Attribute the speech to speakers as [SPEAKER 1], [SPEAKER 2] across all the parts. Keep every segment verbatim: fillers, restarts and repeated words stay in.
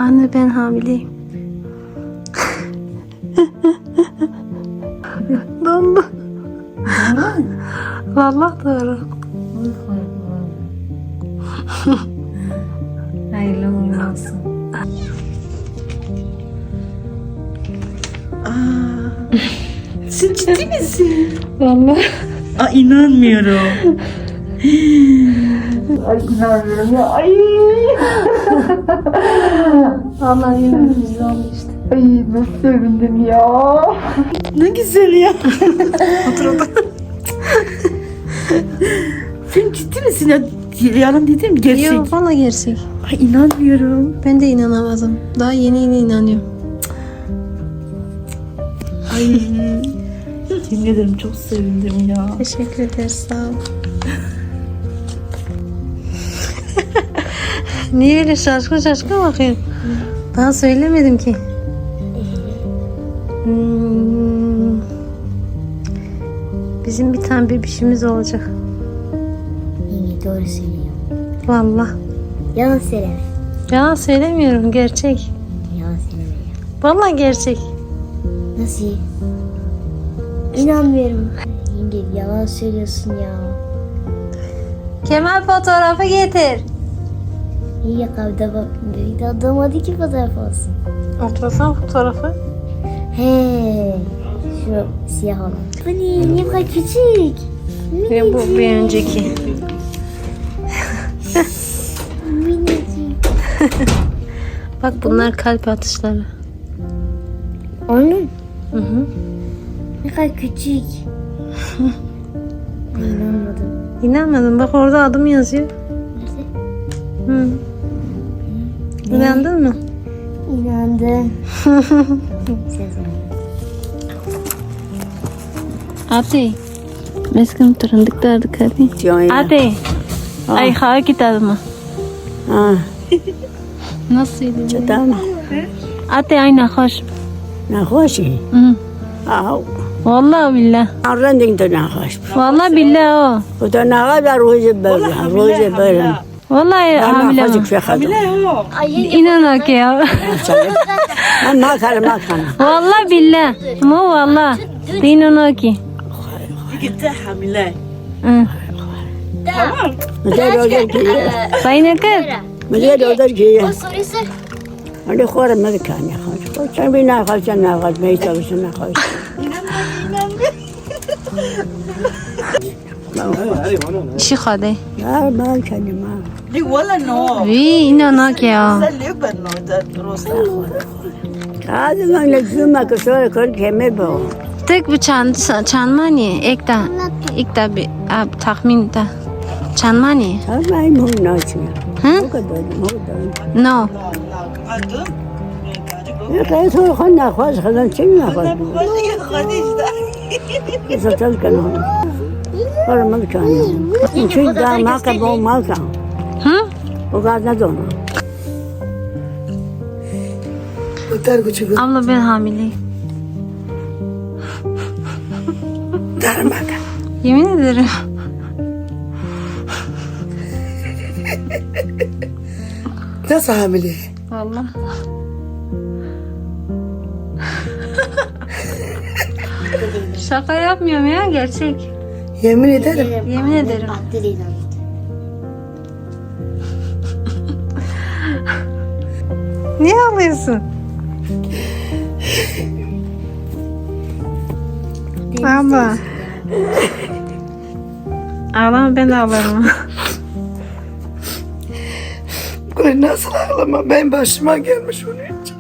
[SPEAKER 1] Anne ben hamileyim. Dondu. Vallahi doğru.
[SPEAKER 2] Hayırlı uğurlu olsun.
[SPEAKER 3] Sen ciddi misin?
[SPEAKER 1] Vallahi.
[SPEAKER 3] Aa, inanmıyorum. Ay inanmıyorum ya. Ay.
[SPEAKER 1] Allah yemeğimiz oldu işte.
[SPEAKER 3] Ay nasıl sevindim ya. Ne güzel ya. Otur otur. Sen ciddi misin ya? Yalan dedim gerçek.
[SPEAKER 1] Yok valla gerçek.
[SPEAKER 3] Ay inanmıyorum.
[SPEAKER 1] Ben de inanamadım. Daha yeni yeni inanıyorum.
[SPEAKER 3] Ay. Yemin ederim çok sevindim ya.
[SPEAKER 1] Teşekkür ederiz sağ ol. Niye öyle şaşkın şaşkın bakıyorsun? Daha söylemedim ki. Hmm. Bizim bir tane bebişimiz olacak.
[SPEAKER 2] İyi doğru söylüyor.
[SPEAKER 1] Vallahi.
[SPEAKER 2] Yalan söyleme.
[SPEAKER 1] Yalan söylemiyorum gerçek.
[SPEAKER 2] Yalan söyleme.
[SPEAKER 1] Vallahi gerçek.
[SPEAKER 2] Nasıl? İnanmıyorum. Yenge yalan söylüyorsun ya.
[SPEAKER 1] Kemal fotoğrafı getir.
[SPEAKER 2] İyi ya kavda bak. Bir de adam hadi ki fotoğraf olsun.
[SPEAKER 1] Otursan fotoğrafı.
[SPEAKER 2] He. Şu siyah olan. Hani niye bu kadar küçük?
[SPEAKER 1] Ve bu bir önceki.
[SPEAKER 2] Minicik.
[SPEAKER 1] Bak bunlar kalp atışları.
[SPEAKER 2] Onun
[SPEAKER 1] Hı hı.
[SPEAKER 2] ne kadar küçük. Ay, İnanmadım.
[SPEAKER 1] İnanmadın bak orada adım yazıyor.
[SPEAKER 2] Nerede?
[SPEAKER 1] Hı. İnandın mı?
[SPEAKER 2] İnandım. Sezon.
[SPEAKER 1] Ate. Meskim turundik derdik hadi. Ate. Ay xağa gidelim mi?
[SPEAKER 4] Ha,
[SPEAKER 1] Nasıl yedin?
[SPEAKER 4] tamam.
[SPEAKER 1] Ate ay nahoş.
[SPEAKER 4] نخوشی.
[SPEAKER 1] Hı.
[SPEAKER 4] آه.
[SPEAKER 1] Vallahi billah.
[SPEAKER 4] رندین تو نخوش.
[SPEAKER 1] Vallahi billah o.
[SPEAKER 4] خدا نخواه بر روز برم. روز برم.
[SPEAKER 1] Vallahi hamile
[SPEAKER 4] نخوشی
[SPEAKER 1] o.
[SPEAKER 4] که خدا.
[SPEAKER 2] Ay
[SPEAKER 1] İnan o ki ya.
[SPEAKER 4] من ما کردم ما کردم.
[SPEAKER 1] Vallahi billah. Ama vallahi. İnan o ki.
[SPEAKER 3] Gitti hamile.
[SPEAKER 1] Hı.
[SPEAKER 4] مزه روزه کیه.
[SPEAKER 1] Sayın kız.
[SPEAKER 4] مزه روزه کیه.
[SPEAKER 2] o soruyu sor.
[SPEAKER 4] ولی خورم مدکن نخوش. خود چند بی نخوش چند نخوش میشه بشه نخوش.
[SPEAKER 1] İşi hadi.
[SPEAKER 4] نه ما کردم ما.
[SPEAKER 3] Li wala no.
[SPEAKER 1] Vi inan o ki ya.
[SPEAKER 3] Sen liber no da rosa.
[SPEAKER 4] هذا ما نجوم ما كسر كل كمل بو.
[SPEAKER 1] Tek bir çan çanmani ekta ekta bir ab tahmin da çanmani.
[SPEAKER 4] هم این مون ناشی.
[SPEAKER 1] Hı?
[SPEAKER 4] مو کدوم مو کدوم.
[SPEAKER 1] No.
[SPEAKER 3] Kadın.
[SPEAKER 4] نه که تو خود نخوش خدا چی نخوش. زتل کنم. خورم مدکنم. چی دار ما کبو ما کن.
[SPEAKER 1] Hı?
[SPEAKER 4] O kadar ندونم.
[SPEAKER 1] Abla ben hamileyim.
[SPEAKER 4] در مکن.
[SPEAKER 1] Yemin ederim.
[SPEAKER 5] Nasıl hamile?
[SPEAKER 1] Vallahi. Şaka yapmıyorum ya gerçek.
[SPEAKER 5] Yemin ederim.
[SPEAKER 1] Yemin ederim.
[SPEAKER 2] Abdül inandı.
[SPEAKER 1] Niye ağlıyorsun? Abla. Ağlama ben de ağlarım.
[SPEAKER 5] Ay nasıl ağlama? Ben başıma gelmiş onun için.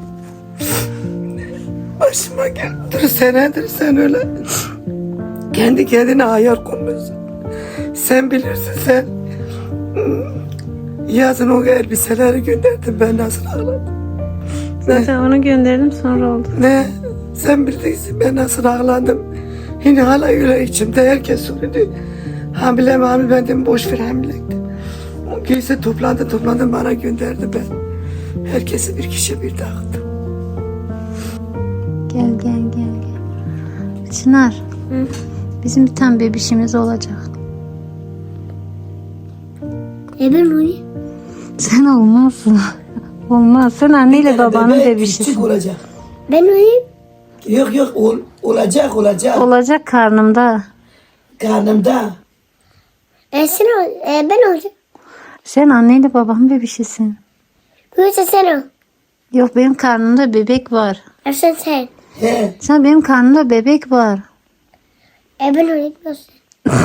[SPEAKER 5] Başıma gel. Dur senedir sen öyle. Kendi kendine hayal kurmuşsun. Sen bilirsin sen. Yazın o elbiseleri gönderdin ben nasıl ağladım.
[SPEAKER 1] Zaten onu gönderdim sonra oldu.
[SPEAKER 5] Ne? Sen bilirsin ben nasıl ağladım. Yine hala öyle içimde herkes soruyordu. Hamile mi hamile ben dedim boş ver hamilekti. O giysi toplandı toplandı bana gönderdi ben. Herkesi bir kişi bir dağıttım.
[SPEAKER 1] Gel gel gel gel. Çınar. Hı? Bizim bir tane bebişimiz olacak.
[SPEAKER 2] E ben onu.
[SPEAKER 1] Sen olmazsın. Olmaz. Sen anneyle
[SPEAKER 5] Bir tane
[SPEAKER 1] babanın
[SPEAKER 5] bebek
[SPEAKER 1] bebişisin.
[SPEAKER 5] küçük olacak.
[SPEAKER 2] Ben olayım.
[SPEAKER 5] Yok yok ol, olacak olacak.
[SPEAKER 1] Olacak karnımda.
[SPEAKER 5] Karnımda.
[SPEAKER 2] E, sen ol. E, ben olacağım.
[SPEAKER 1] Sen anneyle babanın bebişisin.
[SPEAKER 2] Büyüse sen ol.
[SPEAKER 1] Yok benim karnımda bebek var.
[SPEAKER 2] E, sen sen.
[SPEAKER 5] He.
[SPEAKER 1] Sen benim karnımda bebek var.
[SPEAKER 2] E, ben olayım. Nasıl?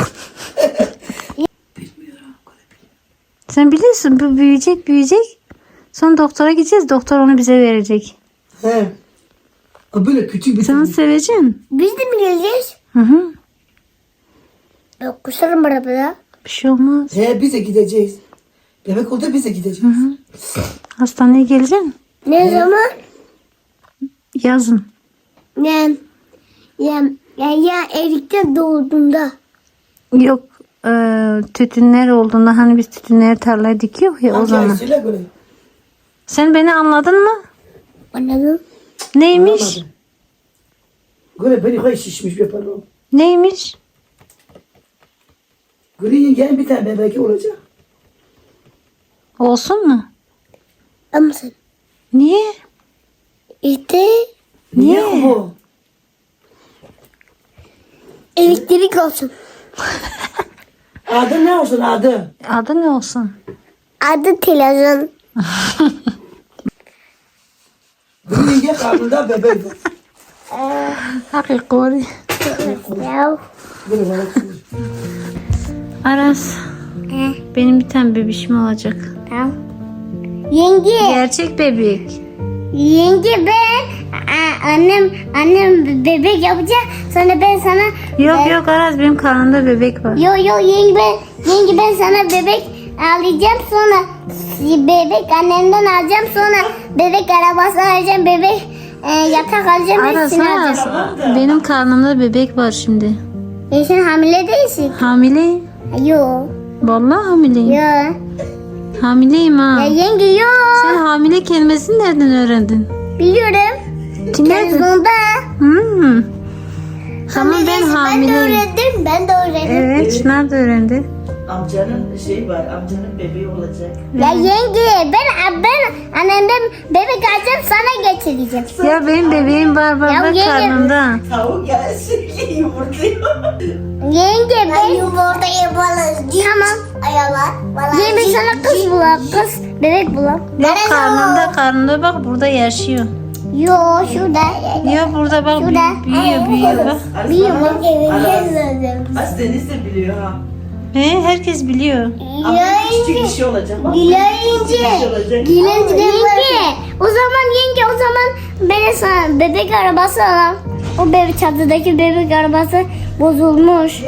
[SPEAKER 1] Sen biliyorsun bu büyüyecek büyüyecek. Sonra doktora gideceğiz. Doktor onu bize verecek.
[SPEAKER 5] He. O böyle küçük bir
[SPEAKER 1] Sen
[SPEAKER 5] tane.
[SPEAKER 1] seveceksin.
[SPEAKER 2] Biz de mi geleceğiz?
[SPEAKER 1] Hı hı.
[SPEAKER 2] Ben kusarım arabada.
[SPEAKER 1] Bir şey olmaz.
[SPEAKER 5] He bize gideceğiz. Bebek oldu bize gideceğiz.
[SPEAKER 1] Hastaneye geleceksin.
[SPEAKER 2] Ne zaman?
[SPEAKER 1] Yazın.
[SPEAKER 2] Ne? Ya, ya, ya erikte doğduğunda.
[SPEAKER 1] Yok e, tütünler olduğunda hani biz tütünleri tarlaya dikiyor ya o
[SPEAKER 5] Hangi
[SPEAKER 1] zaman.
[SPEAKER 5] aysıyla göre?
[SPEAKER 1] Sen beni anladın mı?
[SPEAKER 2] Anladın?
[SPEAKER 1] Neymiş?
[SPEAKER 5] Anlamadım. Göre beni koy şişmiş bir pardon.
[SPEAKER 1] Neymiş?
[SPEAKER 5] Göre yengen bir tane bebek olacak.
[SPEAKER 1] Olsun mu?
[SPEAKER 2] Ama sen.
[SPEAKER 1] Niye?
[SPEAKER 2] İşte
[SPEAKER 5] Niye
[SPEAKER 1] Niye?
[SPEAKER 5] bu?
[SPEAKER 2] elektrik olsun.
[SPEAKER 5] Adı ne olsun adı?
[SPEAKER 1] Adı ne olsun?
[SPEAKER 2] Adı televizyon.
[SPEAKER 5] Göre yenge karnında bebek var.
[SPEAKER 1] Hakikaten.
[SPEAKER 2] Ya.
[SPEAKER 5] Göre bana koy.
[SPEAKER 1] Aras.
[SPEAKER 2] He.
[SPEAKER 1] Benim bir tane bebişim olacak.
[SPEAKER 2] Tamam. Yenge.
[SPEAKER 1] Gerçek bebek.
[SPEAKER 2] Yenge ben a- annem annem bebek yapacak. Sonra ben sana
[SPEAKER 1] Yok
[SPEAKER 2] ben-
[SPEAKER 1] yok Aras benim karnımda bebek var.
[SPEAKER 2] Yo yo yenge ben yenge ben sana bebek alacağım sonra bebek annemden alacağım sonra bebek arabası alacağım bebek e, yatak alacağım
[SPEAKER 1] Aras
[SPEAKER 2] hepsini
[SPEAKER 1] Aras.
[SPEAKER 2] alacağım.
[SPEAKER 1] Benim karnımda bebek var şimdi.
[SPEAKER 2] E, sen hamile değilsin.
[SPEAKER 1] Hamileyim.
[SPEAKER 2] Yo
[SPEAKER 1] Vallahi hamileyim.
[SPEAKER 2] yo.
[SPEAKER 1] Hamileyim ha.
[SPEAKER 2] Ya yenge yo.
[SPEAKER 1] Sen hamile kelimesini nereden öğrendin?
[SPEAKER 2] Biliyorum.
[SPEAKER 1] Kimlerden?
[SPEAKER 2] Televizyonda.
[SPEAKER 1] Hmm. Tamam ben
[SPEAKER 2] Ben de
[SPEAKER 1] hamileyim.
[SPEAKER 2] öğrendim. Ben de öğrendim.
[SPEAKER 1] Evet Çınar da öğrendi.
[SPEAKER 3] Amcanın şey var, amcanın bebeği olacak.
[SPEAKER 2] Ya yenge ben ben annemden bebek alacağım sana getireceğim.
[SPEAKER 1] Ya benim bebeğim var
[SPEAKER 2] Ya
[SPEAKER 1] baba
[SPEAKER 2] yenge-
[SPEAKER 1] karnımda.
[SPEAKER 3] Tavuk gelsin ki yumurtluyor.
[SPEAKER 2] Yenge ben yumurtayı balık. Tamam. Ayalar. Yenge sana kız bulak. Kız bebek bulak.
[SPEAKER 1] Yok karnımda karnımda bak burada yaşıyor.
[SPEAKER 2] Yo şurada.
[SPEAKER 1] Ya burada bak
[SPEAKER 2] Şurada.
[SPEAKER 1] büyü- büyüyor büyüyor bak.
[SPEAKER 2] Bir yumurta.
[SPEAKER 3] Az Deniz de biliyor ha.
[SPEAKER 1] He, herkes biliyor.
[SPEAKER 3] Ama küçük bir şey olacak. Bak.
[SPEAKER 2] Yenge.
[SPEAKER 3] olacak.
[SPEAKER 2] Yenge. O zaman yenge o zaman ben sana bebek arabası alalım. O bebek çatıdaki bebek arabası bozulmuş.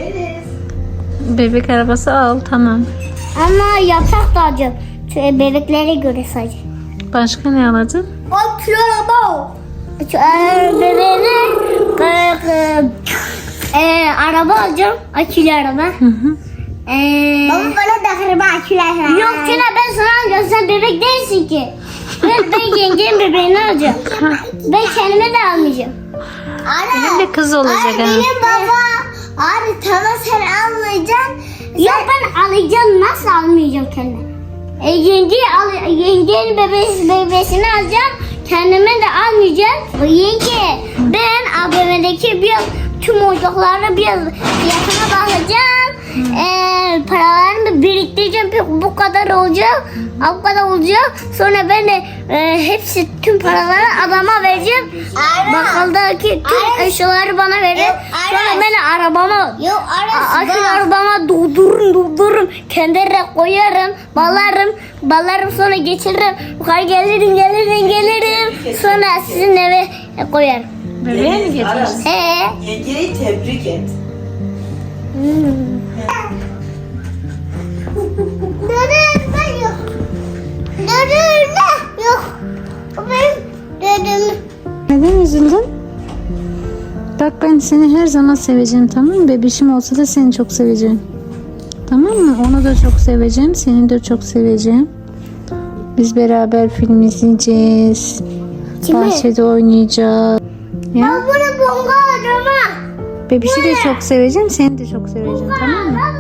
[SPEAKER 1] Bebek arabası al tamam.
[SPEAKER 2] Ama yatak da alacağım. Şöyle bebeklere göre sadece.
[SPEAKER 1] Başka ne aladın?
[SPEAKER 2] O kilo araba. Bebeğine e, e, e, araba alacağım. Akülü araba.
[SPEAKER 1] Hı hı.
[SPEAKER 2] Ee, Baba bana da araba akülü araba. Yok Tina ben sana alacağım. Sen bebek değilsin ki. Ben, ben yengenin bebeğini alacağım. Ben kendime de almayacağım.
[SPEAKER 1] Benim de kız olacak ha.
[SPEAKER 2] baba. Abi tamam sen almayacaksın. Yok ben alacağım. Nasıl almayacağım kendime? E, yenge al, yengenin bebeği, bebeğini alacağım. Kendime de almayacağım. O yenge ben A V M'deki bir tüm oyuncakları bir yakına bakacağım. Ee, paralarımı biriktireceğim. Bir- Bu kadar olacak. Bu kadar olacak. Sonra ben de e, hepsi tüm paraları adama vereceğim. Bakkaldaki tüm eşyaları bana verir. Sonra ben de arabama a- akülü arabama doldururum doldururum. Kendine koyarım. Balarım. Balarım sonra geçiririm. Yukarı gelirim gelirim gelirim. Sonra sizin eve koyarım.
[SPEAKER 1] Bebeğe mi
[SPEAKER 3] Deniz,
[SPEAKER 1] getirdin?
[SPEAKER 3] Aras,
[SPEAKER 2] Ee,
[SPEAKER 3] yengeyi tebrik et.
[SPEAKER 2] Dedem yok. Dedem yok. Benim dedem.
[SPEAKER 1] Neden üzüldün? Bak ben seni her zaman seveceğim tamam mı? Bebişim olsa da seni çok seveceğim. Tamam mı? Onu da çok seveceğim. Seni de çok seveceğim. Biz beraber film izleyeceğiz.
[SPEAKER 2] Kimi?
[SPEAKER 1] Bahçede oynayacağız. Ya,
[SPEAKER 2] Bunu bomba araba.
[SPEAKER 1] bebişi de çok seveceğim. Seni de çok seveceğim tamam mı?